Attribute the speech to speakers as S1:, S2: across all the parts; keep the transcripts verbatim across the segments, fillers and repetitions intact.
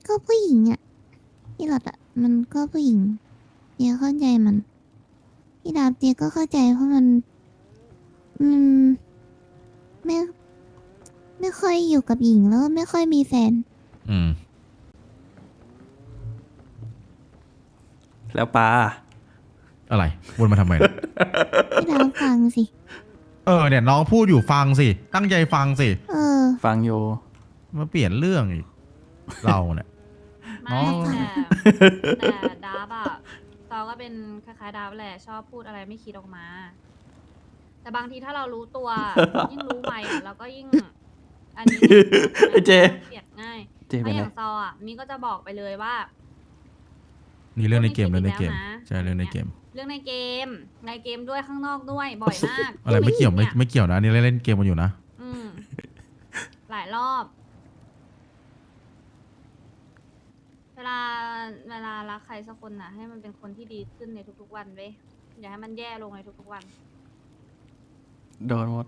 S1: ก็ผู้หญิงอ่ะพี่หลอดอ่ะมันก็ผู้หญิงเจ๊เข้าใจมันพี่ดาบเจ๊ก็เข้าใจเพราะมันมันไม่ไม่ค่อยอยู่กับหญิงแล้วไม่ค่อยมีแฟน
S2: อืม
S3: แล้วปลา
S2: อะไรวนมาทำไมล่ะ
S1: พี่ดาบฟังสิ
S2: เออเนี่ยน้องพูดอยู่ฟังสิตั้งใจฟังสิ
S1: เออ
S3: ฟังโย
S2: มาเปลี่ยนเรื่องอีก เราเนี่ย
S4: ไม่
S2: อ๋อ
S4: แต่แต่ดาบอะตอก็เป็นคล้ายๆดาบแหละชอบพูดอะไรไม่คิดออกมา แต่บางทีถ้าเรารู้ตัว ยิ่งรู้ไวอะเราก็ยิ่ง อันนี้เนี่ย
S3: ไอ้เจ
S4: เกลียดง่าย
S3: เจ
S4: เพ
S3: เป็น
S4: ราะอ
S3: ไร
S4: ย่างซออะมีก็จะบอกไปเลยว่า
S2: นี่เรื่องในเกม
S4: พู
S2: เรื่
S4: ด
S2: องในเกม
S4: ไม่คิดอีกแล้วนะ
S2: ใช่เรื่องในเกม
S4: เรื่องในเกม ในเกมด้วยข้างนอกด้วยบ่อยมาก
S2: อะไรไม่เกี่ยวไม่
S4: นี่
S2: ไม่เกี่ยวนะนี่เล่นเกมกันอยู่นะ
S4: อืมหลายรอบ เวลาเวลารักใครสักคนน่ะ ให้มันเป็นคนที่ดีขึ้นในทุกๆวันเว้ยอย่าให้มันแย่ลงในทุกๆวัน
S3: โดนหมด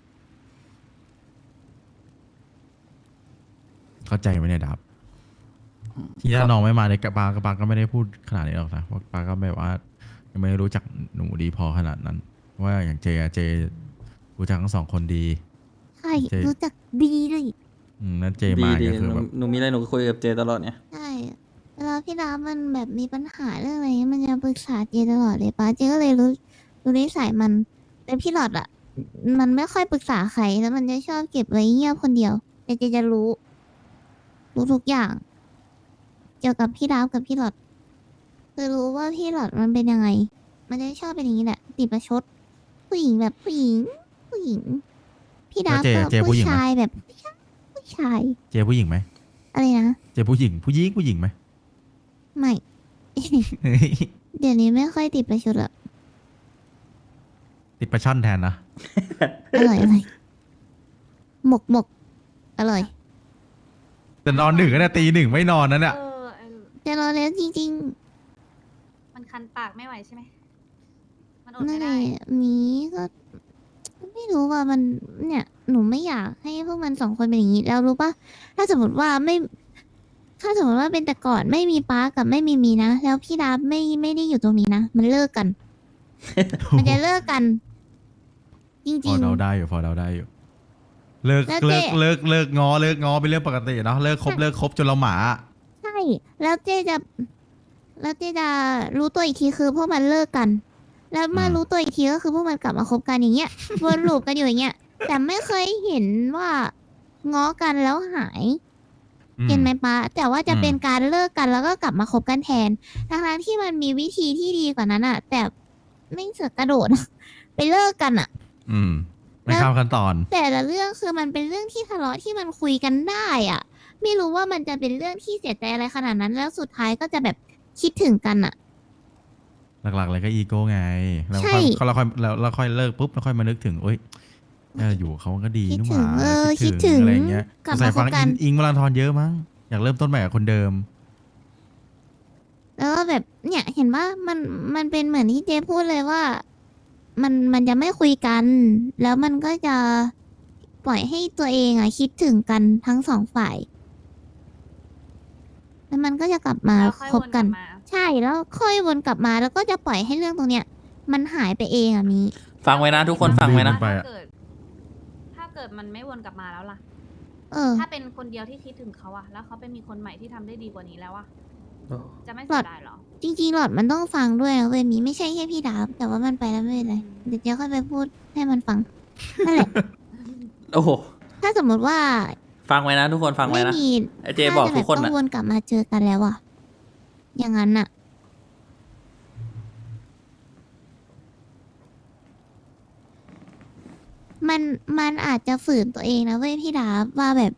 S2: เข้าใจไหมเนี่ยดับที่ถ้าน้องไม่มาเนี่ยปากับปาก็ไม่ได้พูดขนาดนี้หรอกนะเพราะปาก็แบบว่ายังไม่รู้จักหนูดีพอขนาดนั้น ว่าอย่างเจอะเจรู้จักทั้งสองคนดี
S1: ใช่
S2: เจ๊
S1: รู้จักดีเลย
S2: อืมนั่นเจ
S3: ดี
S2: มา
S3: ดี
S2: ก็คือ
S3: หนู
S2: แบบ
S3: หนูมีอะไรหนูก็คุยกับเจตลอดเนี่ย
S1: ใช่เวลาพี่ดาบมันแบบมีปัญหาเรื่องอะไรเงี้ยมันจะปรึกษาเจตลอดเลยป้าเจก็เลยรู้รู้นิสัยมัน แต่พี่หลอดอ่ะ มันไม่ค่อยปรึกษาใครแล้วมันจะชอบเก็บไว้เงียบคนเดียวแต่เจจะรู้ รู้ทุกอย่าง เกี่ยวกับพี่ดาบกับพี่หลอดคือรู้ว่าพี่หลอดมันเป็นยังไง มันจะชอบเป็นอย่างนี้แหละติดประชด ผู้หญิงแบบผู้หญิง ผู้หญิง พี่ดาบ
S2: แล้วเจ
S1: ก็
S2: เจผู้
S1: ผู้
S2: หญิงไหม
S1: ชายแบบผู้ชาย
S2: เจผู้หญิงไหม
S1: อะไรนะ
S2: เจผู้หญิงผู้หญิงผู้หญิงไหม
S1: ไม่ เดี๋ยวนี้ไม่ค่อยติดประชดละ
S2: ติดประชั่นแทนนะ
S1: อร่อยอร่อยหมกหมกอร่อย
S2: แต่นอนหนึ่งก็ได้ตีหนึ่งไม่นอนนั่นแหละ
S4: เออไอ้
S1: แต่รอแล้วจริง
S4: มันคันปากไม่ไหวใช่ไหม มันอด
S1: ๆนั่
S4: ไม่
S1: นแห
S4: ได้
S1: ละมีก็ ไม่รู้ว่ามันเนี่ย หนูไม่อยากให้พวกมันสองคนเป็นอย่างนี้แล้วรู้ปะถ้าสมมติว่าไม่ ถ้าสมมติว่าเป็นแต่ก่อนไม่มีป้ากับไม่มีมีนะแล้วพี่ดาบไม่ไม่ได้อยู่ตรงนี้นะมันเลิกกัน มันจะเลิกกัน จ
S2: พ
S1: ริ
S2: อง เดาได้อยู่พอเดาได้อยู่ เลิก
S1: แล้ว
S2: เลิก
S1: เจ๊
S2: เลิกเลิกงอเลิกงอเป็นเรื่องปกติเนาะเลิกคบเลิกคบจนเราหมา
S1: ๆ ใช่ แล้วเจ๊จะ แล้วเจ๊จะรู้ตัวอีกทีคือพวกมันเลิกกัน แล้วมา
S2: อืม
S1: รู้ตัวอีกทีก็คือพวกมันกลับมาคบกันอย่างเงี้ย วนลูปกันอยู่อย่างเงี้ย แต่ไม่เคยเห็นว่าง้อกันแล้วหาย
S2: อืม
S1: เห็นไหมป้าแต่ว่าจะ
S2: อืม
S1: เป็นการเลิกกันแล้วก็กลับมาคบกันแทนทั้งๆที่มันมีวิธีที่ดีกว่านั้นอะแต่ไม่เสือกกระโดด ไปเลิกกันอะ
S2: อืมไม่ข้ามขั้นตอน
S1: แต่ละเรื่องคือมันเป็นเรื่องที่ทะเลาะที่มันคุยกันได้อะไม่รู้ว่ามันจะเป็นเรื่องที่เสียใจอะไรขนาดนั้น แล้วสุดท้ายก็จะแบบคิดถึงกันอะ
S2: หลักๆเลยก็อีโก้ไงแล้ว
S1: ใช่
S2: ค่อยเราค่อยเราเราค่อยเลิกปุ๊บเราค่อยมานึกถึงเอ้ยเอออยู่กับเขาก็ดี
S1: คิด
S2: นี่ห
S1: ถึ
S2: ว่าง
S1: เออ
S2: คิ
S1: คิ
S2: ด
S1: ด
S2: ถึ
S1: ถึ
S2: ง
S1: ง
S2: อะไรอย่างเงี้ย
S1: กลับ
S2: ใส่
S1: มาค
S2: ฟั
S1: บ
S2: ง
S1: กั
S2: อิ
S1: น
S2: งอิงวลันทรเยอะมั้งอยากเริ่มต้นใหม่กับคนเดิม
S1: แล้วก็แบบเนี่ยเห็นว่ามันมันเป็นเหมือนที่เจ๊พูดเลยว่า มันมันจะไม่คุยกัน แล้วมันก็จะปล่อยให้ตัวเองอะคิดถึงกันทั้งสองฝ่าย แล้วมันก็จะกลับมา
S4: แล้วค่อย
S1: คบ
S4: วนก
S1: กั
S4: ลั
S1: น
S4: บมา
S1: ใช่แล้วค่อยวนกลับมาแล้วก็จะปล่อยให้เรื่องตรงเนี้ย มันหายไปเองอะมี
S3: ฟังไว้นะทุกคนฟังไว้นะ
S2: ไป
S4: ถ้า
S2: อะ
S4: เกิด ถ้าเกิดมันไม่วนกลับมาแล้วล่ะ
S1: เออ
S4: ถ้าเป็นคนเดียวที่คิดถึงเขาอะแล้วเขาไปมีคนใหม่ที่ทำได้ดีกว่านี้แล้วอะจะไม่
S1: หลอ
S4: เสี
S1: ด
S4: ยดายเหรอ
S1: จริงๆหลอดมันต้องฟังด้วยนะเว้ยมีไม่ใช่แค่พี่ดาบแต่ว่ามันไปแล้วไม่เป็นไรเดี๋ยวเจ๊ค่อยไปพูดให้มันฟังนั่นแหละ
S3: โอ้โห
S1: ถ้าสมมติว่า
S3: ฟังไว้นะทุกคนฟังไว้
S1: ไม่
S3: นะ
S1: มี
S3: ไอ้เจบอกทุกคน
S1: ต้
S3: นะ
S1: องวนกลับมาเจอกันแล้วอะอย่างนั้นอะมันมันอาจจะฝืนตัวเองนะเว้ยพี่ดาบว่าแบบ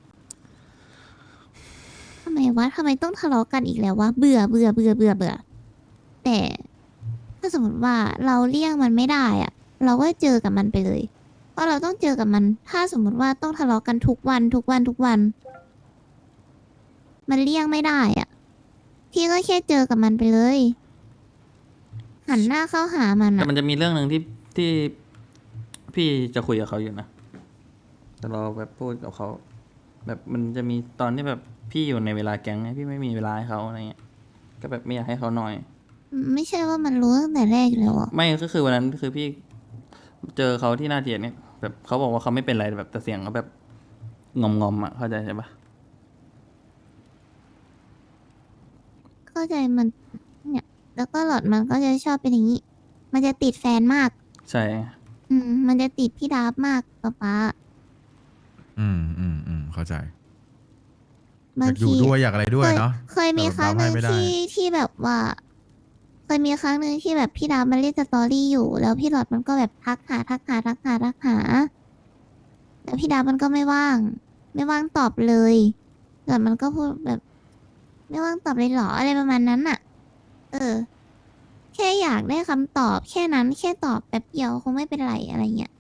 S1: ทำไมวะทำไมต้องทะเลาะกันอีกแล้ววะเบื่อเบื่อเบื่อเบื่อเบื่อแต่ถ้าสมมติว่าเราเลี่ยงมันไม่ได้อะเราก็เจอกับมันไปเลยเพราะเราต้องเจอกับมัน ถ้าสมมติว่าต้องทะเลาะกันทุกวันทุกวันทุกวัน มันเลี่ยงไม่ได้อะพี่ก็แค่เจอกับมันไปเลย หันหน้าเข้าหามัน
S3: แต่
S1: อะ
S3: มันจะมีเรื่องหนึ่งที่ที่พี่จะคุยกับเขาอยู่นะแต่เราแบบพูดกับเขาแบบมันจะมีตอนที่แบบพี่อยู่ในเวลาแก๊งไงพี่ไม่มีเวลาให้เขาอะไรเงี้ยก็แบบไม่อยากให้เขาหน่อย
S1: ไม่ใช่ว่ามันรู้ตั้งแต่แรกอยู่แล้วอ่ะ
S3: ไม่ก็คือวันนั้นคือพี่เจอเขาที่หน้าเทียนเนี่ยแบบเขาบอกว่าเขาไม่เป็นไรแบบแต่เสียงเขาแบบงอมงอมๆอ่ะเข้าใจใช่ปะ
S1: เข้าใจมันเนี่ย แล้วก็หลอดมันก็จะชอบเป็นอย่างนี้ มันจะติดแฟนมาก
S3: ใช่
S1: อืม มันจะติดพี่ดาบมากป๊าป๊า
S2: อืมอืมอืมเข้าใจอบา
S1: าง
S2: กอยู่
S1: ที
S2: ด้วยอยากอะไรด้วยเนาะ
S1: เคยมีครั้งหนึ่ง
S2: แต่แบบเราให้ไม่ได้
S1: ที่ที่แบบว่า เคยมีครั้งหนึ่งที่แบบพี่ดาบมันเล่นสตอรี่อยู่ แล้วพี่หลอดมันก็แบบทักหาทักหาทักหาทักหาแล้วพี่ดาบมันก็ไม่ว่าง ไม่ว่างตอบเลยหลอดมันก็พูดแบบ ไม่ว่างตอบเลยเหรออะไรประมาณนั้นน่ะ เออ แค่อยากได้คำตอบแค่นั้นแค่ตอบแป๊บเดียวคงไม่เป็นไรอะไรเงี้ย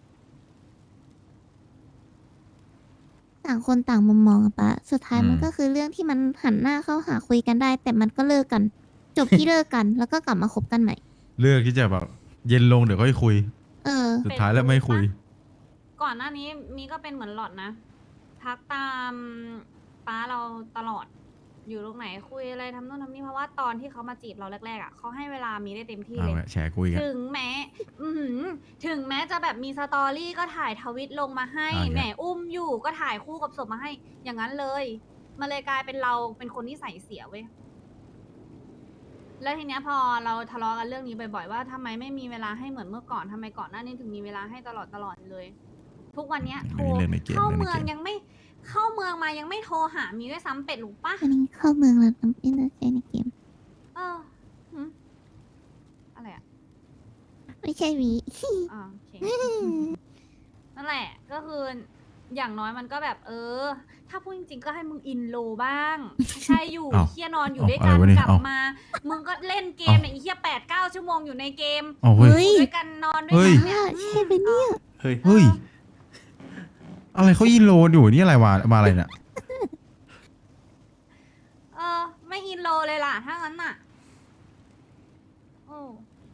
S1: ต่างคนต่างมุมมองอะปะสุดท้ายมันก็คือเรื่องที่มันหันหน้าเข้าหาคุยกันได้ แต่มันก็เลิกกัน จบที่เลิกกัน แล้วก็กลับมาคบกันใหม่
S2: เลือกที่จะแบบเย็นลงเดี๋ยวค่อยคุย
S1: เออ
S2: สุดท้ายแล้วไม่คุย
S4: ก่อนหน้านี้มีก็เป็นเหมือนหลอดนะ ทักตามป้าเราตลอด อยู่ตรงไหนคุยอะไรทำนู่นทำนี่เพราะว่าตอนที่เขามาจีบเราแรกๆอ่ะเขาให้เวลามีได้เต็มที่
S2: เอา
S4: เลย
S2: ละแชร์คุยกัน
S4: ถึงแม้ อือหือถึงแม้จะแบบมีสตอรี่ก็ถ่ายทวิตลงมาให้
S2: อ่า
S4: แหมอุ้มอยู่ก็ถ่ายคู่กับศพมาให้ อย่างนั้นเลย มันเลยกลายเป็นเราเป็นคนที่ใส่เสียเว้ย แล้วทีเนี้ยพอเราทะเลาะกันเรื่องนี้บ่อยๆว่าทำไมไม่มีเวลาให้เหมือนเมื่อก่อนทำไมก่อนหน้านี้ถึงมีเวลาให้ตลอดตลอดเลย ทุกวันเนี้ยโทร
S2: เรื่องในเกม
S4: เข้า
S2: เรื่องใน
S4: เมือง
S2: เกม
S4: ยังไม่เข้าเมืองมายังไม่โทรหามีด้วยซ้ำเป็ดหรือปะ
S1: อันนี้เข้าเมืองแล้วทำอินเตอร์เซในเกม
S4: เออหึอะไรอ่ะ
S1: ไม่ใช่วี
S4: อ่าโอเค นั่นแหละ ก็คืออย่างน้อยมันก็แบบ เออ ถ้าพูดจริงๆก็ให้มึงอินโลบ้าง ใช่อยู่
S2: เอ้า
S4: เฮียนอนอยู่
S2: เอ้า
S4: ด้วยกัน
S2: อะไรวะเนี่ย
S4: กลับ
S2: เอ้า
S4: มา มึงก็เล่นเกมเนี่ยไอ้เฮียแปดเก้าชั่วโมงอยู่ในเกม
S2: เอาเฮ้ย
S4: อยู่ด้วยกันนอนด้วย
S2: เฮ้ย
S4: กันเนี่ย
S1: ใช่ปะเนี่ย
S3: เฮ้ย
S2: เฮ้ย อะไรเขายินโลนอยู่นี่อะไรมามาอะไรเนี่ย
S4: เออ ไม่อินโลเลยล่ะ ถ้างั้นน่ะ โอ้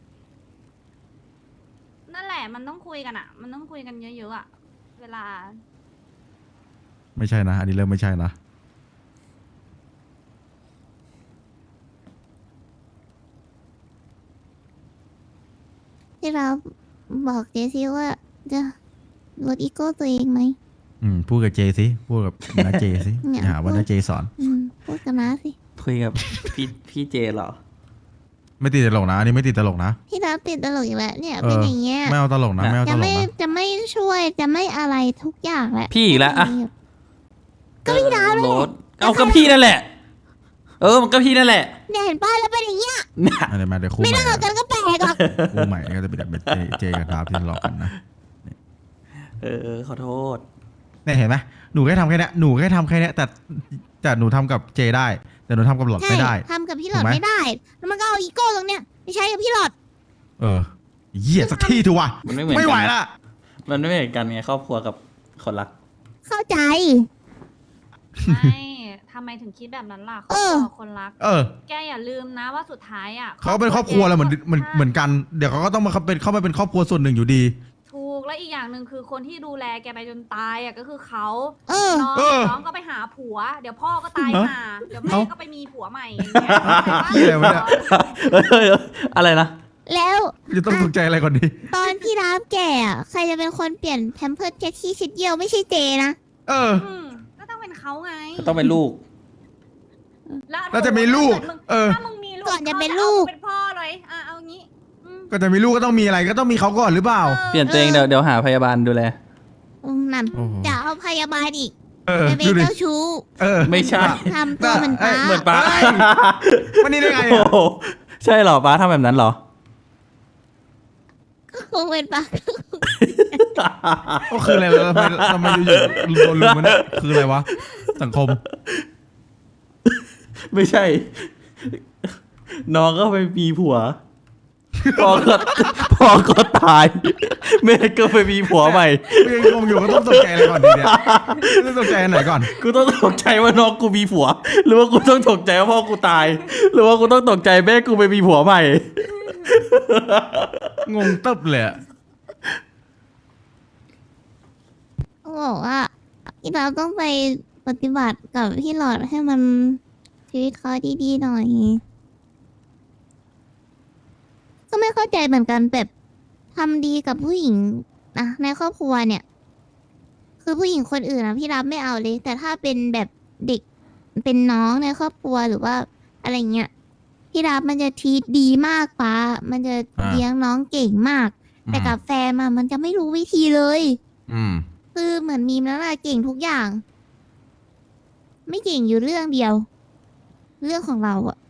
S4: นั่นแหละ มันต้องคุยกันอ่ะ มันต้องคุยกันเยอะๆอ่ะ เวลา
S2: ไม่ใช่นะ อันนี้เริ่มไม่ใช่นะ
S1: ที่เราบอกเจซี่ว่าจะลดอีโก้ตัวเองไหม
S2: อืมพูดกับเจสิพูดกับน้าเจสิ
S1: เนี่ย
S2: อย่าหาว่าน้าเจสอน
S1: อืมพูดกันนะสิ
S3: คุยกับพี่พี่เจเหรอ
S2: ไม่ติดตลกนะอันนี้ไม่ติดตลกนะ
S1: ที่เราติดตลกอีกแล้วเนี่ย
S2: เอ
S1: เป็น
S2: อ
S1: อย่างเงี้ย
S2: ไม่เอาตลกนะไม่เอาต
S1: จะ
S2: ลก
S1: ไม่
S2: นะ
S1: จะไม่ช่วยจะไม่อะไรทุกอย่างแหละ
S3: พี่อีกแล้วอะ
S1: ก็พี่ดาวเลย
S3: โรถเอากับพี่นั่นแหละ เออมันก็พี่นั่นแหละ
S1: เนี่ยเห็นป้าแล้วเป็นอย่างเงี้ย
S3: เนี่ย
S2: อันนี้มาเดี๋ยวคู่
S1: ไม่
S2: ใหม่
S1: เลิกกันก็แปลกหรอก
S2: คู่ใหม่ก็จะเป็นแบบเป็นเจเจกับดาบที่ทะเลาะกันนะ
S3: เออเออขอโทษ
S2: เนี่ยเห็นไหมหนูแค่ทำแค่เนี้ยหนูแค่ทำแค่เนี้ยแต่แต่หนูทำกับเจได้ แต่หนูทำกับหลอด
S1: ใช่
S2: ไม่ได้
S1: ทำกับพี่หลอด
S2: ถูกไหม
S1: ไม่ได้ แล้วมันก็เอาอีโก้ตรงเนี้ยไปใช้กับพี่หลอด
S2: เออเหี้ยสักที่ถูกวะ
S3: มันไม่เหมือน
S2: ไม่ไหว
S3: กัน
S2: ละ
S3: มันไม่เหมือนกันไงครอบครัวกับคนรัก
S1: เข้าใจ
S4: ไม่ทำไมถึงคิดแบบนั้นล่ะคร
S1: เอ
S4: อบ
S1: อ
S4: ครัวคนรัก
S2: เออ
S4: แกอย่าลืมนะว่าสุดท้ายอ่ะ
S2: เขาเป็นครอบครัวเราเหมือนเหมือน
S4: ใช่
S2: เหมือนกันเดี๋ยวเขาก็ต้องมาเป็นเข้ามาเป็นครอบครัวส่วนหนึ่งอยู่ดี
S4: ถูกและอีกอย่างหนึ่งคือคนที่ดูแลแกไปจนตายอ่ะก็คือเขา
S1: เออ
S4: น้อง
S2: เออ
S4: น้องก็ไปหาผัว เดี๋ยวพ่อก็ตาย
S2: ฮะ
S4: ห่าเดี๋ยวแม่
S2: เอ้า
S4: ก็ไปมีผัวใหม่อย่างเงี้ย
S2: เหี้ยอะไรวะเนี่ย
S3: เฮ้ยเฮ้ยเฮ้ยอะไรนะ
S1: แล้ว
S2: จะต้องสนใจอะไรก่อนดี
S1: ตอนพี่รับแก่อะใครจะเป็นคนเปลี่ยนแพมเพิร์สแค่ที่ชิดเดียวไม่ใช่เจนะ
S2: เออ
S4: อืมก็ต้องเป็นเขาไง
S3: ก็ต้องเป็นลูก
S2: แล้วจะมีลูก
S4: ถ้ามึง
S2: เออ
S4: ถ้ามึงมีลูก
S1: ก่อนจะเป็น
S4: ขา
S1: ลูก
S4: อามึงเป็นพ่อเลยอ่ะเอางี้อืม
S2: ก็จะมีลูกก็ต้องมีอะไรก็ต้องมีเขาก่อนหรือเปล่า
S4: ออ
S3: เปลี่ยนตัวเองเดี๋ยวเดี๋ยวหาพยาบาลดูแล
S1: อืมนั่น
S2: โอ้โห
S1: จะเอาพยาบาลอีก
S2: เออ
S1: ไปเป็น
S2: ดูดิ
S1: เจ้าชู้
S2: เออ
S3: ไม่ใช่
S1: ทำตัวเหมือนป้า
S3: เหมือนป้า
S2: เฮ้ย วันนี้ได้ไง
S3: โอ้
S2: อะ
S3: โหใช่เหรอป้าทำแบบนั้นเหรอ
S1: คงเป็นป้า
S2: ก็คืออะไรวะทำไมทำไมอยู่ๆโดนลุมมันยคืออะไรวะ สังคม
S3: ไม่ใช่ น้องก็ไปมีผัว พอก็พอก็ตาย แม่ก็ไปมีผัวใหม่
S2: ยังงงอยู่ก็ต้องตกใจอะไรก่อนดีเนี่ยต้องตกใจอันไหนก่อน
S3: กูต้องตกใจว่าน้องกูมีผัว หรือว่ากูต้องตกใจว่าพ่อกูตาย หรือว่ากูต้องตกใจแม่กูไปมีผัวใหม่
S2: งงตึ๊บเลยอะ
S1: เขาบอกว่าที่เราต้องไปปฏิบัติกับพี่หลอดให้มันชีวิตเขาดีๆหน่อย ก็ไม่เข้าใจเหมือนกันแบบทำดีกับผู้หญิงนะในครอบครัวเนี่ย คือผู้หญิงคนอื่นนะพี่รับไม่เอาเลย แต่ถ้าเป็นแบบเด็กเป็นน้องในครอบครัวหรือว่าอะไรเงี้ยพี่รับมันจะทีดีมากป้ามันจะ
S2: อ่า
S1: เลี้ยงน้องเก่งมาก แต่กับแฟนมามันจะไม่รู้วิธีเลย
S2: อืม
S1: คือเหมือนมีมแล้วล่ะเก่งทุกอย่าง ไม่เก่งอยู่เรื่องเดียว เรื่องของเราอะ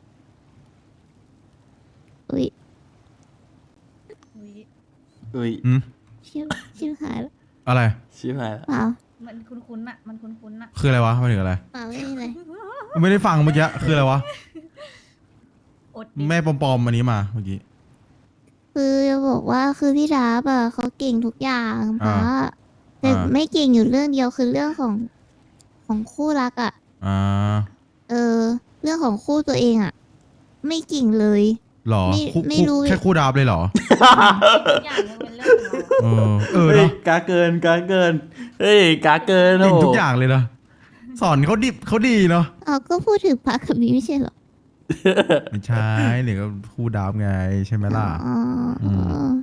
S1: อุ้ย
S4: อุ๊ย
S3: อุ้ย
S2: อืม
S1: ชิบชิบหายแล้ว
S2: อะไร
S3: ชิบหายแล้ว
S1: เปล่า
S4: มันคุ้นๆอะมันคุ้นๆอะ
S2: คืออะไรวะหมายถึงอะไร
S1: เปล่าไม่มีอะไร
S2: ไม่ได้ฟังเมื่อกี้คืออะไรวะ
S4: อดดิ
S2: แม่ปลอมๆอันนี้มาเมื่อกี้
S1: คือจะบอกว่าคือพี่ดาบอะเขาเก่งทุกอย่าง
S2: อ่า
S1: ป้าแต่
S2: อ่า
S1: ไม่เก่งอยู่เรื่องเดียวคือเรื่องของของคู่รักอะ
S2: อ่า
S1: เออ เรื่องของคู่ตัวเองอะไม่เก่งเลย
S2: หรอ
S1: ไม่
S2: คู่
S1: ไม่รู้
S2: คู่แค่คู่ดาบเลยเหรอ
S4: ทุกอย่างยังเป็นเรื่องของเรา
S2: เออ เออ
S3: เฮ้ย
S2: เนาะ
S3: กาเกินกาเกินเฮ้ยกาเกิน
S2: เก่ง
S3: โโห
S2: ทุกอย่างเลยนะสอนเขาดิบเขาดีเนาะ
S1: เอาก็พูดถึงพระกับมีไม่ใช่เหรอ
S2: ไม่ใช่เนี่ยก็คู่ดาบไงใช่ไหมล่ะ
S1: อ๋ออ
S2: ม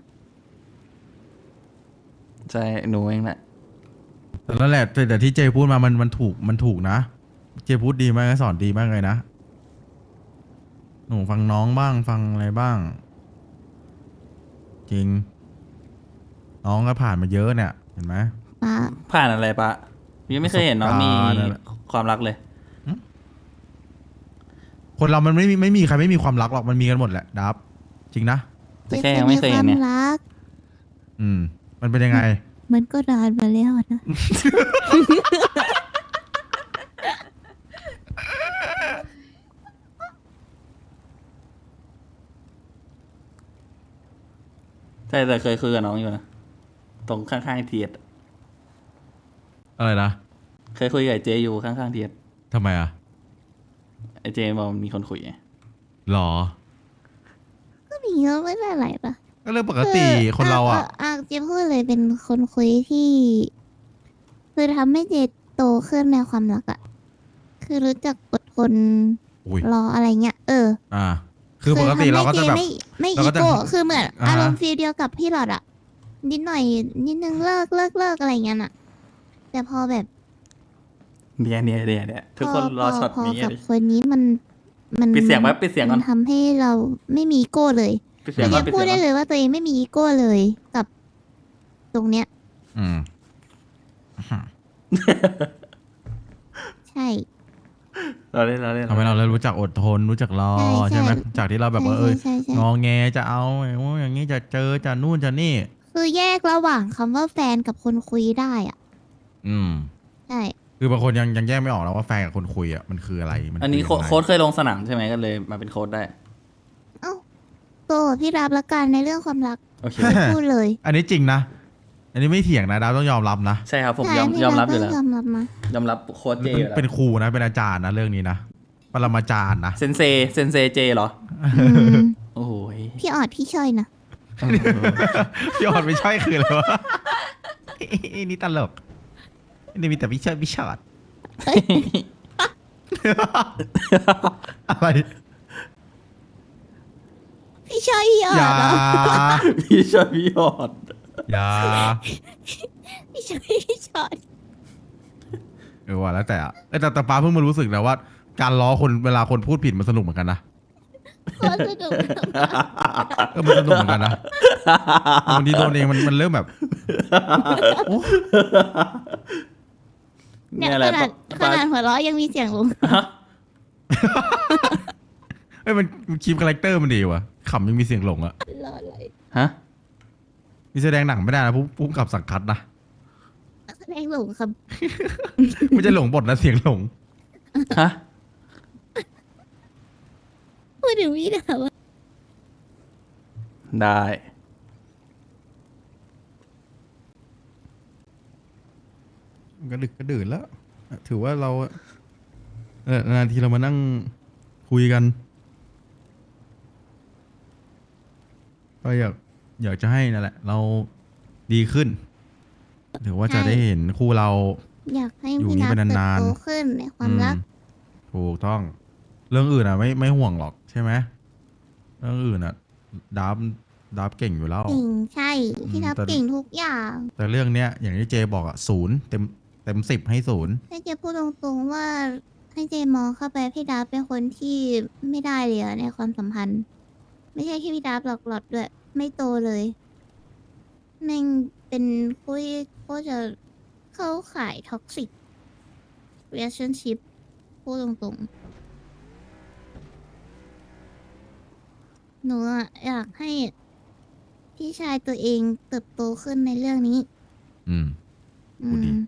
S3: ใช่หนูเองแหละ
S2: แต่นั่นแหละแต่แต่ที่เจพูดมามันมันถูกมันถูกนะ เจพูดดีมากสอนดีมากเลยนะ หนูฟังน้องบ้างฟังอะไรบ้าง จริง น้องก็ผ่านมาเยอะเนี่ย เห็นไหม
S1: ป้า
S3: ผ่านอะไรปะยังไม่เคยเห็นน้องมี
S2: ประสบการณ์อะไร
S3: ความรักเลย
S2: คนเรามันไม่มีไม่มีใครไม่มีความรักหรอกมันมีกันหมดแหละดับจริงนะ
S3: แต่แค่ยังไม่เคยเห็น
S1: ค
S3: เนี่
S1: วาย มรัก
S2: อืม มันเป็นยังไง
S1: มันก็นานมาแล้วนะ
S3: ใช่แต่เคยคุยกับน้องอยู่นะตรงข้างๆเทียด
S2: อะไรนะ
S3: เคยคุยกับไอ้เจอยู่ข้างๆเทียด
S2: ทำไมอ่ะ
S3: ไอเจบอกมีคนคุยไง
S2: หรอ
S1: ก็มีเยอะไม่ได้หลายปะ
S2: ก็เรื่องปกติคนเราอ่ะ
S1: อ่ะเจะพูดเลยเป็นคนคุยที่ คือทำให้เจโตขึ้นในความรักอะคือรู้จักอดทน
S2: อุ้ย
S1: รออะไรเงี้ยเออ
S2: อ่า คือปกติเราก็จะแบบ
S1: ไม่ไม่
S2: เรา
S1: อี
S2: ก็จะ
S1: โก้คือเหมือน
S2: อ่าฮะ
S1: อารมณ์ฟีลเดียวกับพี่หลอดอะนิดหน่อย นิดนึงเลิกเลิกเลิกอะไรเงี้ยน่ะ แต่พอแบบ
S3: เนี่ยเนี่ยเนี่ยเนี่ยทุกคนรอช็อต
S1: พอ
S3: นี้
S1: กับ
S3: ดิ
S1: คนนี้มันมัน
S3: ปิดเสียงไว้ปิดเสียงก่อน
S1: มันทำให้เราไม่มีอีโก้เลย
S3: ปิดเสีย
S1: เรา
S3: งก่อ
S1: จะ
S3: นปิด
S1: พูด
S3: เสียง
S1: ได้
S3: ก่อน
S1: เลยว่าตัวเองไม่มีอีโก้เลย กับตรงเนี้ย
S2: อืม
S1: ใช่
S3: เราเล่นเราเล่น
S2: ทำให้เราเริ่มรู้จักอดทนรู้จักรอ
S1: ใช่ใช่
S2: ใช่ไหมจากที่เราแบบว่าเออ
S1: ใช่ใช่
S2: ง
S1: ใช่
S2: อแงจะเอาโอ้ยอย่างนี้จะเจอจะนู่นจะนี่
S1: คือแยกระหว่างคำว่าแฟนกับคนคุยได้อ่ะ
S2: อืม
S1: ใช่
S2: คือบางคนยังยังแยกไม่ออกแล้วว่าแฟนกับคนคุยอ่ะมันคืออะไรมัน
S3: อันนี้
S2: คืยังไง
S3: โค้ดเคยลงสนามใช่ไหมก็เลยมาเป็นโค้ดได้
S1: เอ้าโตพี่รับละกันในเรื่องความรัก
S3: โอเค
S1: พูดเลย
S2: อันนี้จริงนะ อันนี้ไม่เถียงนะดาวต้องยอมรับนะ
S3: ใช่ครับผม
S1: ใช่
S3: ยอม
S1: พี่
S3: ยอมรับอยู่
S1: ต้
S3: แล้
S1: ง
S3: วย
S1: อมรับมาย
S3: อมรับโค้ดเจ
S2: เป็น
S3: อยู่แล้ว
S2: เป็นครูนะเป็นอาจารย์นะเรื่องนี้นะปรมาจารย์นะ
S3: เซนเซเซนเซเจเหรอ
S1: อืม
S3: โอ้โหย
S1: พี่ออดพี่ช่อยนะ
S2: พี่ออดไม่ใช่คืออะไรวะ นี่ตลกนี่มีแต่พี่เชิดพี่ชอด อะไร
S1: พี่ช่อยพี่ออ
S2: อย่า
S1: ดเหรอ
S3: พี่ชอบพี่หอด
S2: อย่า
S1: พี่ช่อยพี่ชอด
S2: เออว่าแล้วแต่อะเอ้ยแต่แต่ป้าเพิ่งมารู้สึกนะว่า การล้อคนเวลาคนพูดผิดมันสนุกเหมือนกันนะ
S1: โคตรสนุก
S2: เออมันสนุกเหมือนกันนะบางทีโดนเองมันมันเริ่มแบบโอ้
S1: เนี่ย
S3: เนี่ยแห
S1: ข
S3: ละ
S1: นาดข
S3: ปา
S1: นาดหัวเราะยังมีเสียงลง
S2: เอ้ยมันมันคีปคาแรคเตอร์มันดีว่ะขำยังมีเสียงหลงอะ
S1: รออะไร
S3: ฮะ
S2: มีแสดงหนังไม่ได้นะผู้ผู้กำกับสังคัดนะ
S1: แสดงหลงครับ
S2: ไม่ใช่หลงบทนะเสียงหลง
S3: ฮะ
S1: พูดถึงพี่ดาวอะ
S3: ได้
S2: ก็ดึกก็ดื่นแล้ว ถือว่าเราเออนานทีเรามานั่งคุยกัน ก็อยากอยากจะให้นั่นแหละ เราดีขึ้น ถือว่าจะได้เห็นคู่เรา
S1: อยากให้
S2: อยู่
S1: พี่
S2: นี่
S1: นับ
S2: ไป
S1: เติบ
S2: นาน
S1: โต
S2: ๆ
S1: ขึ้นในความรัก
S2: อืมถูกต้อง เรื่องอื่นอ่ะ ไม่ไม่ห่วงหรอกใช่ไหมเรื่องอื่นอ่ะดับดับเก่งอยู่แล้ว
S1: เก่งใช่ พี่นับ
S2: แต่
S1: เก่งทุกอย่าง
S2: แต่เรื่องเนี้ยอย่างที่เจบอกอ่ะศูนย์เต็มเต็มสิบให้ศูนย์
S1: ให้เจพูดตรงๆว่าให้เจมองเข้าไปพี่ดับเป็นคนที่ไม่ได้เลยอะในความสัมพันธ์ ไม่ใช่แค่พี่ดับหลอกหลอดด้วย ไม่โตเลยแม่งเป็นคุยก็จะเข้าขายท็อกซิก relationship พูดตรงๆ หนูอะอยากให้พี่ชายตัวเองเติบโตขึ้นในเรื่องนี้
S2: อืม
S1: อื
S2: พูดดี
S1: ม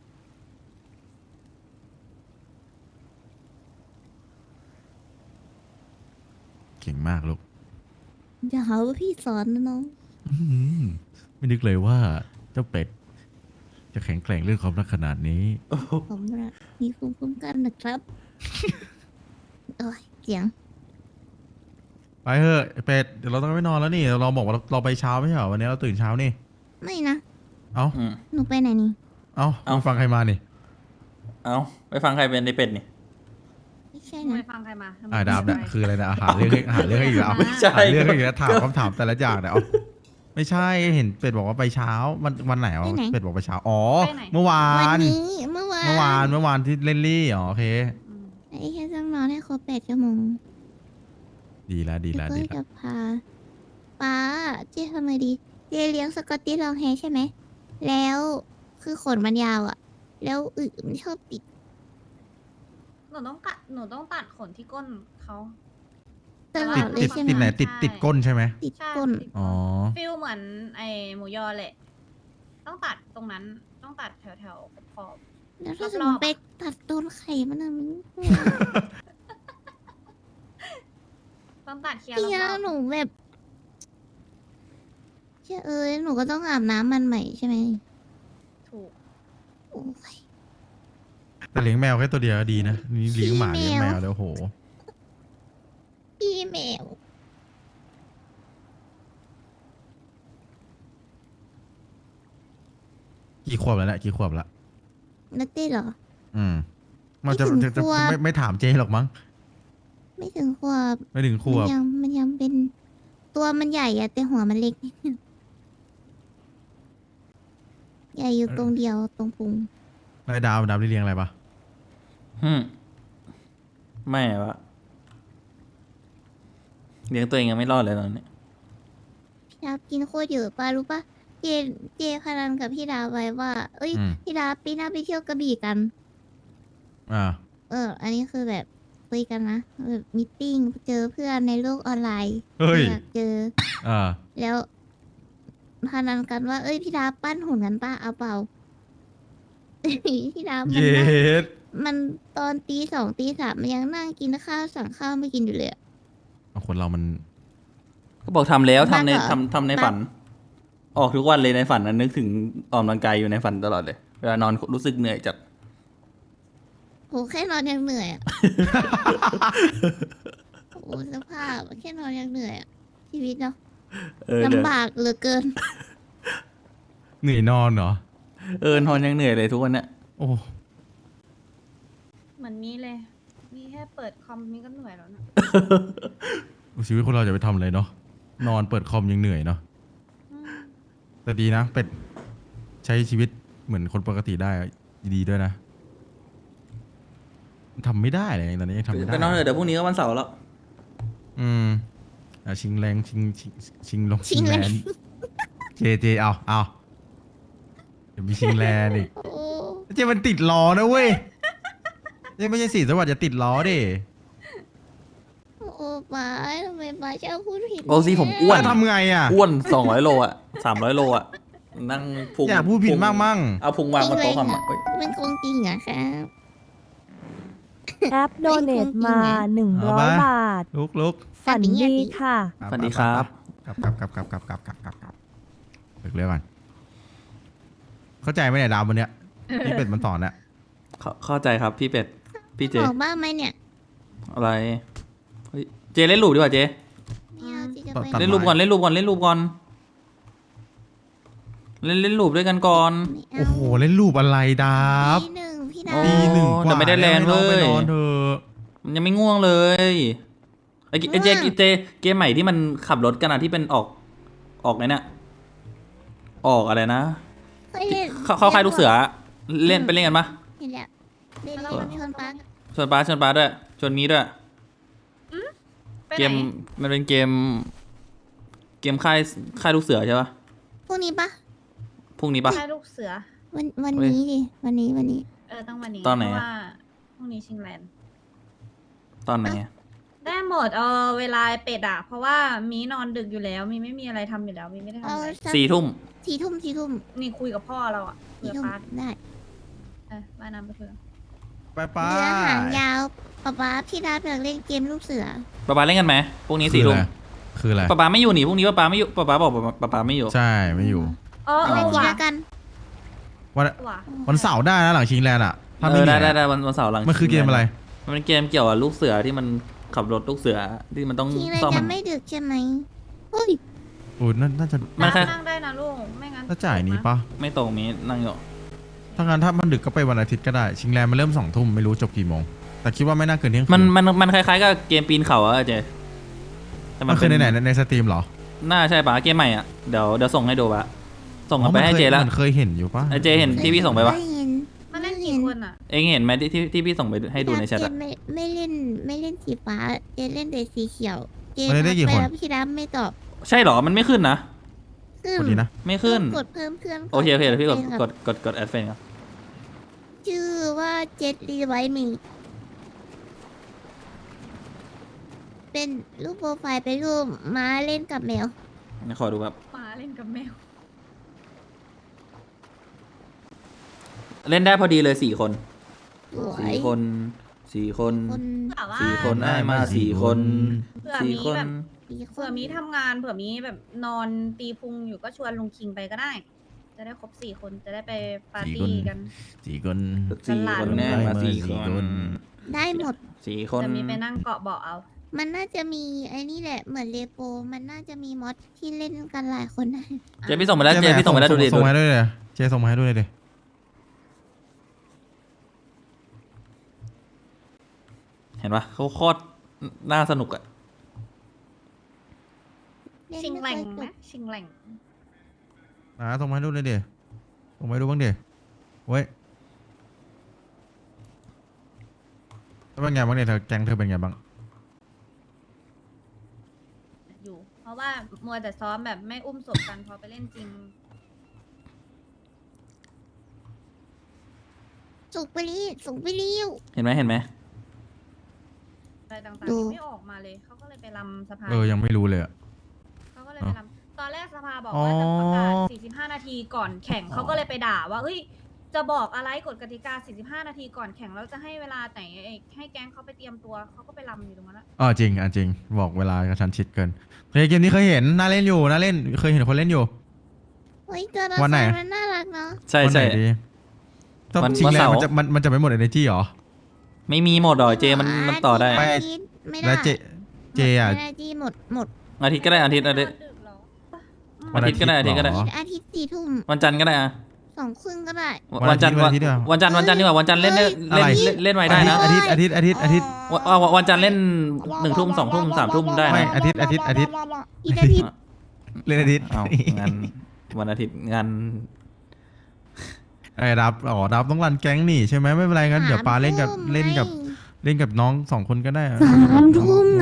S2: เก่งมากลูก
S1: อย่าหาว่าพี่สอนนะน้อง
S2: อื้อหือไม่นึกเลยว่าเจ้าเป็ด จะแข็งแกร่งเรื่องความรักขนาดนี้
S1: ผมนะมีภูมิคุ้มกันนะครับ โอ้ยเสียง
S2: ไปเถอะไอ้เป็ดเดี๋ยวเราต้องไปนอนแล้วนี่เราบอกว่าเราเราไปเช้าไม่ใช่เหรอวันนี้เราตื่นเช้านี่
S1: ไม่นะ
S2: เอ้า
S3: อืม
S1: หนูไปไหนนี่
S2: เอ้า
S3: เอ้า
S2: มึงฟังใครมานี่
S3: เอาไปฟังใครเป็นในเป็ดนี่
S1: ไม่ใช่
S4: ไม่
S1: นะ
S4: ฟังใครมาทำไม
S2: อ่าดาบเนี่ย
S4: ไม่
S2: คืออะไรนะอาหารเรื่องให้อาหารเรื่องให้อีกแล้วเอา
S3: ไม่ใช่
S2: หาเรื่องให้อีกแล้วถามคำถามแต่ละอย่างเนี่ยเอาไม่ใช่เห็นเป็ดบอกว่าไปเช้าวันวันไหนอ๋อเป็ดบอกไปเช้าอ๋อเมื่อวา
S1: วัน
S2: น
S1: นี้เมื่อวาน
S2: เมื่อวานเมื่อวานที่เล่นลี่อ๋อโอเค
S4: อืม
S1: ไอ้แค่ต้องนอนให้ครบแปดชั่วโมง
S2: ดีแล้วดี
S1: แล้
S2: แล้ว ว
S1: ก็
S2: ดีแล้
S1: จะ
S2: ว
S1: พาป้าเจ๊ทำไมดีเจ๊เลี้ยงสกอตติชลองแฮร์ใช่ไหม แล้วคือขนมันยาวอะแล้วอึมันชอบติด
S4: หนูต้องกัดหนูต้องตัดขนที่ก้นเขา
S1: ตลอ
S2: ติด
S1: ดเล
S2: ติ
S1: ย
S2: ด
S1: ใช่ไหม
S2: ติดไหนติดติดก้นใช่ไหม
S1: ติด
S4: ใช่
S1: ก้น
S4: ติด
S2: อ๋อ
S4: ฟิลเหมือนไอหมูยอแหละ ต้องตัดตรงนั้นต้องตัดแถวแถวๆขอบ
S1: แล้วถ้าสม
S4: ร
S1: ม
S4: อบ
S1: ติ
S4: ๆ
S1: ไป
S4: อะ
S1: ตัดโดนไข่มันอะมัน
S4: ต้องตัดเคลียร์
S1: พี่
S4: ร
S1: ยา
S4: อบ
S1: หนูแบบเชื่อเอ้ยหนูก็ต้องอาบน้ำมันใหม่ใช่ไหม
S4: ๆถูก
S1: โอ้ย
S2: แต่เลี้ยงแมวแค่ตัวเดียวก็ดีนะนี่เลี้ยงหมา
S1: ขี้
S2: เลี้ยง
S1: แม
S2: แม
S1: ว
S2: วแล้วโห
S1: พี่แมว
S2: กี่ขวบแล้วเนี่ยกี่ขวบละ
S1: นักเต้เหรอ
S2: อืม มันจะ
S1: ไม่ถึง
S2: จะจะ
S1: ขวบ
S2: ไม่ไม่ถามเจหรอกมั้ง
S1: ไม่ถึงขวบ
S2: ไม่ถึงขว
S1: มั
S2: บ
S1: ยังมันยังเป็นตัวมันใหญ่อะแต่หัวมันเล็ก ใหญ่อยู่ตรงเดียวตรงพุง
S2: นายดาวดาวได้เลี้ยงอะไรปะ
S3: อืมไม่วะเลี้ยงตัวเองยังไม่รอดเลยตอนนี้
S1: พี่ดาบกินโคตรเยอะปะรู้ปะเจเจพนันกับพี่ดาบไว้ว่า เอ้ย
S2: อืม
S1: พี่ดาบปีหน้าไปเที่ยวกระบี่กัน
S2: อ่า
S1: เออ อันนี้คือแบบคุยกันนะแบบมิทติ้งเจอเพื่อนในโลกออนไลน์
S2: เฮ้ย
S1: อยากเจอ
S2: อ่า
S1: แล้วพนันกันว่า เอ้ยพี่ดาบปั้นหุ่นกันป้าเอาเปล่า พี่ดาบมัน
S2: เย็
S1: นั่ง
S2: ด
S1: มันตอนตีสองตีสามมันยังนั่งกินข้าวสั่งข้าวไม่กินอยู่เลยอะ
S2: เอาคนเรามัน
S3: ก็บอกทำแล้วทำใน
S1: บ้าเหรอ
S3: ทำทำใน
S1: บ้า
S3: ฝัน ออกทุกวันเลยในฝันนะนึกถึงออกกำลังกายอยู่ในฝันตลอดเลย เวลานอนรู้สึกเหนื่อยจัด
S1: โหแค่นอนยังเหนื่อย อะโอ้สภาพแค่นอนยังเหนื่อยอะชีวิตเนาะ
S3: เออเดี๋ยว
S1: ลำบากเหลือเกิน
S2: เหนื่อยนอนเหรอ
S3: เออนอนยังเหนื่อยเลยทุกวันเนี้ย
S2: โอ้
S4: เหมือนนี้เลย นี่แค่เปิดคอมนี่ก็เหนื่อยแล้วนะ
S2: ชีวิตคนเราจะไปทำอะไรเนาะ นอนเปิดคอมยังเหนื่อยเนาะ
S4: อืม
S2: แต่ดีนะ เป็ดใช้ชีวิตเหมือนคนปกติได้ดีด้วยนะทำไม่ได้เลยตอนนี้ยังทำไม่ได้
S3: ไปนอนเถอะเดี๋ยวพรุ่งนี้ก็วันเสาร์แล้ว
S2: อืมอ่ะชิงแรงชิงชิงชิงลง
S1: ชิงแรง
S2: นเจเจเอาเอาเดี๋ยวมีชิงแรงอีก
S1: โอ้
S2: เจมันติดล้อนะเว้ยเจไม่ใช่สีสวัสดิ์จะติดล้อดิ
S1: โอ้ป้าทำไมป้าชอบพูดผิด
S3: โอ้สิผมอ้วน
S2: จะทำไงอ่ะ
S3: อ้วนสองร้อยโลอ่ะสามร้อยโลอ่ะ นั่งพุง
S2: อยากพูดผิด
S3: พุง
S2: มากมั่ง
S3: เอาพุงวางบนโต๊ะคอมอ่ะเฮ้ย
S1: มันคงจริงเหรอะครับ
S5: แอปโดเนตมาหนึ่งร้อยบาท
S2: ลุกลุก
S5: ฝันดีค่ะ
S3: สวัสดีครับ
S2: กลับกลับกลับกลับกลับกลับกลับกลับกลับเลิกเรียกก่อนเข้าใจไหมเนี่ยดาววันเนี้ยที่เป็ดมันสอนเนี่ย
S3: เข้าเข้าใจครับพี่เป็ด พี่เจ
S1: บอกบ้างไหมเนี่ย
S3: อะไรเฮ้ยเจเล่นรูปดีกว่าเจ
S1: ไม่เอาที่จะไป
S2: ตัด
S3: เล่นรูปก่อนเล่นรูปก่อนเล่นรูปก่อนเล่นเล่นลูปด้วยกันก่อน
S1: ไม่เา
S2: โอ้โหเล่นรูปอะไรดับ
S1: ตีหนึ่งพี่
S3: โอ้
S1: ดา
S2: ตีหนึ่งกว่า
S3: แต่ไม่ได้แลนด์
S2: ให้องไป
S3: เว้ย
S2: นอนเถอะ
S3: มันยังไม่ง่วงเลยไอเกไอเจเจเกมใหม่ที่มันขับรถกันอะที่เป็นออกออกไงเนี่ยออกอะไรนะ
S1: เคยเล่น
S3: เข้าเข้าค่ายลูกเสือเล่นไปเล่นกันปะ
S1: เห็นแล้วเล่นเล่นชนปัก
S3: ชวนป้าชวนป้าด้วยชวนมีด้วย
S4: ไปไหน
S3: เกมมันเป็นเกม เกมค่ายค่ายลูกเสือใช่ปะ
S1: พวกนี้ปะ
S3: พรุ่งนี้ปะ
S4: ใช่ลูกเสือ
S1: วันวัน
S3: เฮ้ย
S1: นี้ดิวันนี้วันนี้
S4: เออต้องวันนี้
S3: ตอนไหน
S4: เพ
S3: อะ
S4: ราะว่าพรุ่งนี้ชิงแลนด์
S3: ตอนไหนอะ
S4: ได้หมดเออเวลาเป็ดอะเพราะว่ามีนอนดึกอยู่แล้ว มีไม่มีอะไรทำอยู่แล้ว มีไม่ได้ทำ
S1: เอา
S4: อะไร
S1: สัก
S3: สี่ทุ่ม
S1: สี่ทุ่มสี่ทุ่ม
S4: นี่คุยกับพ่อเราอะคุย
S1: สี่
S4: กับ
S1: ทุ่ม
S4: ป้า
S1: ได้
S4: เออบ้านน้ำไปเถอะ
S2: ไปไป
S1: เรือหางยาวป๊าป๊าพี่ดาอยากเล่นเกมลูกเสือ
S3: ป้าป้าเล่นกันไหมพรุ่งนี้สี่ทุ่ม
S2: คืออะไร
S3: ป้าป้าไม่อยู่นี่พรุ่งนี้ป้าป้าไม่อยู่ป้าป้าบอกป้าป้าป้าไม่อยู่
S2: ใช่ไม่อยู่
S4: อ๋อเอ
S1: อะไร
S4: อ
S1: ที
S4: ว่ะ
S1: ละกัน
S2: วัน
S4: ว่ะ
S2: วันเสาร์ได้นะหลังชิงแลนด์อ่ะถ้า
S3: เอ
S2: ไม่
S3: อ
S2: มี
S3: ได้ได้
S2: อะ
S3: ได้วันวันเสาร์หลัง
S2: มันคือเกมอะไร
S3: มันเป็นเกมเกี่ยวกับลูกเสือที่มันขับรถลูกเสือที่มันต้อง
S1: ทีอะไร
S3: ซ่อม
S1: จะไม่ดึกใช่ไหมเฮ้ย
S2: โอ้ยน่าจะ
S3: มันแค่
S4: นั่งได้นะลูกไม่งั้น
S2: ถ้าจ่ายนี้ปะ
S3: ไม่ตรงมีนั่งอยู่
S2: ถ้างั้นถ้ามันดึกก็ไปวันอาทิตย์ก็ได้ ชิงแลนด์มันเริ่มสองทุ่มไม่รู้จบกี่โมง แต่คิดว่าไม่น่าเกินเที่ยงคื
S3: มันมันมันคล้ายๆกับเกมปีนเขาอะเจแต่
S2: มันคือในไหนในในสตรีมเหรอ
S3: น่าใช่ปะเกมใหม่อะเดี๋ยวเดี๋ยวส่งให้ดูปะส่งกลับไปให้เจแล้ว
S2: มันเคยเห็นอยู่ปะ
S3: ไอเจเห็นที่พี่ส่งไปปะ
S1: ม่เห็น
S4: มันเล่นกี่คนอะ
S3: เองเห็นไหมที่ที่ที่พี่ส่งไปให้ดูในแชท
S1: เจ
S3: อะ
S1: ไม่ไม่เล่นไม่เล่นสีฟ้าเจเล่นแต่สีเขียวเจ
S2: มันได้ได้กี่
S1: ทั
S2: คน
S1: ไปแล้วพี่ดาไม่ตอบ
S3: ใช่เหรอมันไม่ขึ้นนะ
S1: ขึ้น
S2: คนดีนะ
S3: ไม่ขึ้น
S1: กดเพิ่มเพื่อน
S3: โอเคโอเคเดี๋ยวพี่กด
S1: ป็นแบบ
S3: กดกดกดแอดเฟนครับ
S1: ชื่อว่าเจ็ดรีไวท์มีเป็นรูปโปรไฟล์เป็นรูปม้าเล่นกับแมว
S3: นี่ขอดูแบบ
S4: หมาเล่นกับแมว
S3: เล่นได้พอดีเลยสี่คน
S1: สวย
S3: สี่คนสี่คน
S1: คน
S4: แต่ว่า
S3: สี่คนได้มาสี่คน
S4: เผื่อ
S3: สี่
S4: มี
S3: คน
S4: แบบ
S1: สี่ค
S4: เผื่อน มีทำงานเผื่อมีแบบนอนตีพุงอยู่ก็ชวนลุงคิงไปก็ได้ จะได้ครบสี่คนจะได้ไปปาร์ตี้กัน
S2: สี่คน
S3: สี่คนแน่มาสี่
S2: สี่
S3: ค
S2: คน น
S1: ได้หมด
S3: สี่คน
S4: จะมีไปนั่งเกาะเบาะเอา
S1: มันน่าจะมีไอ้นี่แหละเหมือนเลโปมันน่าจะมีมอดที่เล่นกันหลายคนได้
S3: เจพี่ส่งมาแล้วเจพี่ส่งมาแล้วดูดิ
S2: ส่ง
S3: ดู
S2: มาให้ด้วยเลยเจส่งมาให้ด้วยเลย
S3: เห็นปะเขาโคตรน่าสนุกอะ
S1: เล่น
S4: ชิง
S1: ไม่
S4: แหล่ง
S1: ค่อยจ
S4: ไหม
S1: บ
S4: ชิงแหล่ง
S2: อ่าส่งมาให้ดูเลยเดี๋ยวส่งมาให้ดูบ้างเดี๋ยวเว้ยแล้วเป็นไงบ้างเนี่ยเธอแก๊งเธอเป็นไงบ้าง
S4: อยู่ เพราะว่ามัวแต่ซ้อมแบบไม่อุ้มศพกันพอไปเล่นจริง
S1: สุกไปรีสุกไปรีว
S3: เห็นไหมเห็นไหม
S4: อะไรต่าง
S1: ดู
S4: ๆยังไม่ออกมาเลย เขาก็เลยไปรำสภา
S2: เออยังไม่รู้เลยอะ
S4: เขาก็เลยไปรำตอนแรกสภาบอกว่าจะประกาศ
S2: อ๋อ
S4: สี่สิบห้า นาทีก่อนแข่ง เขาก็เลยไปด่าว่า เฮ้ย จะบอกอะไรกฎกติกา สี่สิบห้า นาทีก่อนแข่ง แล้วจะให้เวลาไหนให้แก๊งเขาไปเตรียมตัว เขาก็ไปรำอยู่ตรงนั้นแหละ
S2: อ๋อจริงอ่ะจริงบอกเวลากระชันชิดเกินเฮ้ยเกมนี้เคยเห็นน่าเล่นอยู่น่าเล่นเคยเห็นคนเล่นอยู่
S1: เฮ้ยตัวละค
S2: วันไหน
S1: รมันน่ารักเนาะ
S3: ใช่
S2: วันไหน
S3: ใช่
S2: ดีต้อง
S3: วัน
S2: ชิง
S3: วัน
S2: แลน
S3: เสาร์
S2: ด์มันจะมันมันจะไม่หมด energy เหรอ
S3: ไม่มีหมดหรอเจมันมันต่อได้
S2: ไป
S1: อาทิตย์ไม่ได้
S2: แล้วเจเจอ่ะ
S1: ไม่ได้ที่หมดหมด
S3: อาทิตย์ก็ได้อาทิตย์อาทิตย์
S4: ดึกเหรอ
S3: วันอาทิตย์ก็ได้อาทิตย์ก็ได้
S2: เหรอ
S1: อาทิตย์สี่ทุ่ม
S3: วันจันทร์ก็ได้อะ
S1: สองครึ่งก็ได้
S3: วันจันทร์
S2: วั
S3: วัน
S2: อาทิตย์ดีกว่า
S3: วันจันทร์วันจันทร์ดีกว่าวันจันทร์เล่นได้
S2: เฮ้
S3: เล่
S2: ย
S3: นเล่นเล่นไว้ได้นะ
S2: อาทิตย์อาทิตย์อาทิตย์อาทิตย์
S3: วันวันวันจันทร์เล่นหนึ่งทุ่มสองทุ่มสามทุ่มได้
S2: ไม่
S3: นะ
S2: อาทิตย์อาทิตย์อาทิตย์
S1: อีกอาทิตย์
S2: เล่นอาทิตย์
S3: เอางานวันอาทิตย์งาน
S2: ไอ้ดับอ๋อดับต้องรันแก๊งนี่ใช่ไหมไม่เป็นไรงั้นเดี๋ยวปาเล่นกับ
S1: สามทุ่ม
S2: เล่นกับ
S1: ไง
S2: เล่นกับน้องสองคนก็ได้
S1: สามทุ่มไง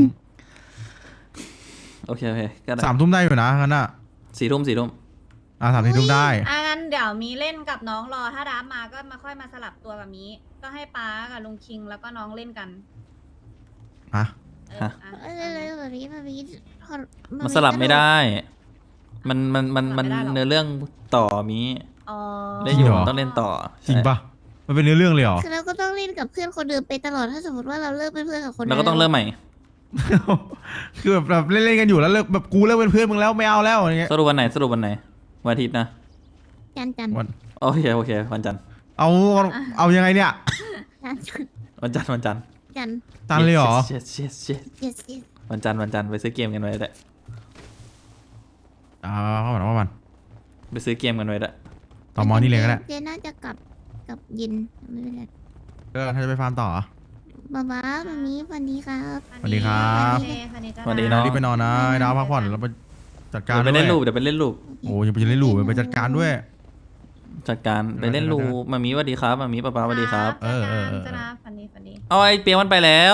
S3: โอเคโอเคก็ได้
S2: สามทุ่มได้อยู่นะงั้นอ่ะ
S3: สี่ทุ่มสี่ทุ่ม
S2: อ่ะสามทุ่มได้
S4: อ่ะงั้นเดี๋ยวมีเล่นกับน้องรอ ถ้าดับมาก็มาค่อยมาสลับตัวกับมี ก็ให้ป้ากับลุงคิงแล้วก็น้องเล่นกัน
S2: อ่ะ
S4: เอออ่ะ
S1: เออเลยแบบนี้แบบนี้พอ
S3: มันสลับไม่ได้ มันมันมันมันเนื้อเรื่องต่อมี
S4: อ๋อ
S3: เล่นอยู่มันต้องเล่นต่อ
S2: จริงปะมันเป็นเนื้อเรื่องเลยเหรอ
S1: คือเราก็ต้องเล่นกับเพื่อนคนเดิมไปตลอดถ้าสมมติว่าเราเลิกเป็นเพื่อนกับคน
S3: แล้วก็ต้องเริ่มใหม่
S2: คือแบบแบบเล่นๆกันอยู่แล้วเลิกแบบกูเลิกเป็นเพื่อนมึงแล้วไม่เอาแล้วอย่างเงี้ย
S3: สรุปวันไหนสรุปวันไหนวันอาทิตย์นะ
S1: จันจัน
S2: วัน
S3: โอเคโอเควันจันทร์
S2: เอาเอายังไงเนี่ย
S1: จัน
S3: วันจันทร์วันจันทร์
S1: จัน
S2: ตันเลยเหรอ
S3: เช็ดเช็ดเช็ด
S1: yes yes
S3: วันจันทร์วันจันทร์ไปซื้อเกมกันไว้แต่
S2: อ่าเข้ามาเข้ามา
S3: ไปซื้อเกมกันไว้ละ
S2: ต่อมอนี่เลยก็ได้
S1: เจน่าจะกลับกลับเยินไม่เป็นไร
S2: เออถ้าจะไปฟาร์มต่อเหรอ
S1: บ๊ายบายวันนี้สวัสดีครับ
S2: สวัสดีครับ
S3: สวัสดีน้อง
S2: รีบไปนอนนะไอ้ดาวพักผ่อนแล้วไปจัดการ
S3: เดี๋ยวไป
S2: ด้วย
S3: เล่นลูกเดี๋ยวไปเล่นลูก
S2: โอ้ยยังไปเล่นลูกไปจัดการด้วย
S3: จัดการไปเล่นลูกมามีสวัสดีครับมามีป้าป้าสวัสดีครับ
S2: เออเออเออ
S6: จะนะฟันดีฟันดี
S3: เอาไอ้เปียมันไปแล้ว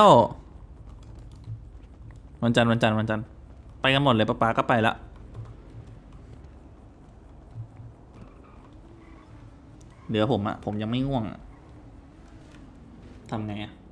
S3: วันจันทร์วันจันทร์วันจันทร์ไปกันหมดเลยป้าป้าก็ไปละเหลือผมอะผมยังไม่ง่วงอะทำไงอะ